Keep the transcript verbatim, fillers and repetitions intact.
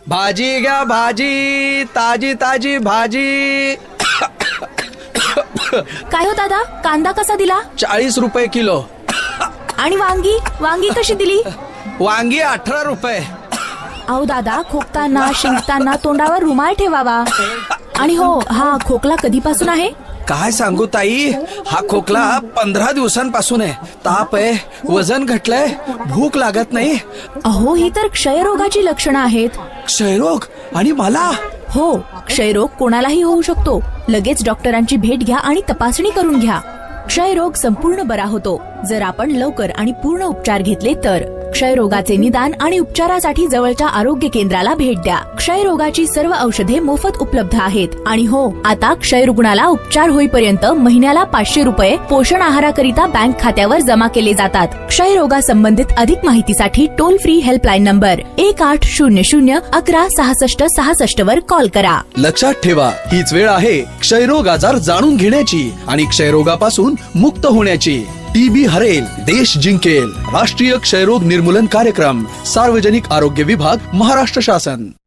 भाजी घ्या भाजी, ताजी ताजी भाजी. काय हो दादा, कांदा कसा दिला? चाळीस रुपये किलो. आणि वांगी वांगी कशी दिली? वांगी अठरा रुपये. अहो दादा, खोकताना शिंकताना तोंडावर रुमाल ठेवावा. आणि हो, हा खोकला कधीपासून आहे? काय सांगू ताई, हा खोकला पंधरा दिवसांपासून आहे. ताप आहे, वजन घटलंय, भूक लागत नाही. अहो, ही तर क्षयरोगाची लक्षणं आहेत. क्षयरोग? आणि मला? हो, क्षयरोग कोणालाही होऊ शकतो. लगेच डॉक्टरांची भेट घ्या आणि तपासणी करून घ्या. क्षयरोग संपूर्ण बरा होतो जर आपण लवकर आणि पूर्ण उपचार घेतले तर. क्षयरोगाचे निदान आणि उपचारासाठी जवळच्या आरोग्य केंद्राला भेट द्या. क्षयरोगाची सर्व औषधे मोफत उपलब्ध आहेत. आणि हो, आता क्षयरुग्णाला उपचार होईपर्यंत महिन्याला पाचशे रुपये पोषण आहाराकरिता बँक खात्यावर जमा केले जातात. क्षयरोगासंबंधित अधिक माहितीसाठी टोल फ्री हेल्पलाईन नंबर एक आठ शून्य शून्य अकरा सहासष्ट सहासष्ट वर कॉल करा. लक्षात ठेवा, हीच वेळ आहे क्षयरोग आजार जाणून घेण्याची आणि क्षयरोगापासून मुक्त होण्याची. टीबी हरेल, देश जिंकेल. राष्ट्रीय क्षयरोग निर्मूलन कार्यक्रम, सार्वजनिक आरोग्य विभाग, महाराष्ट्र शासन.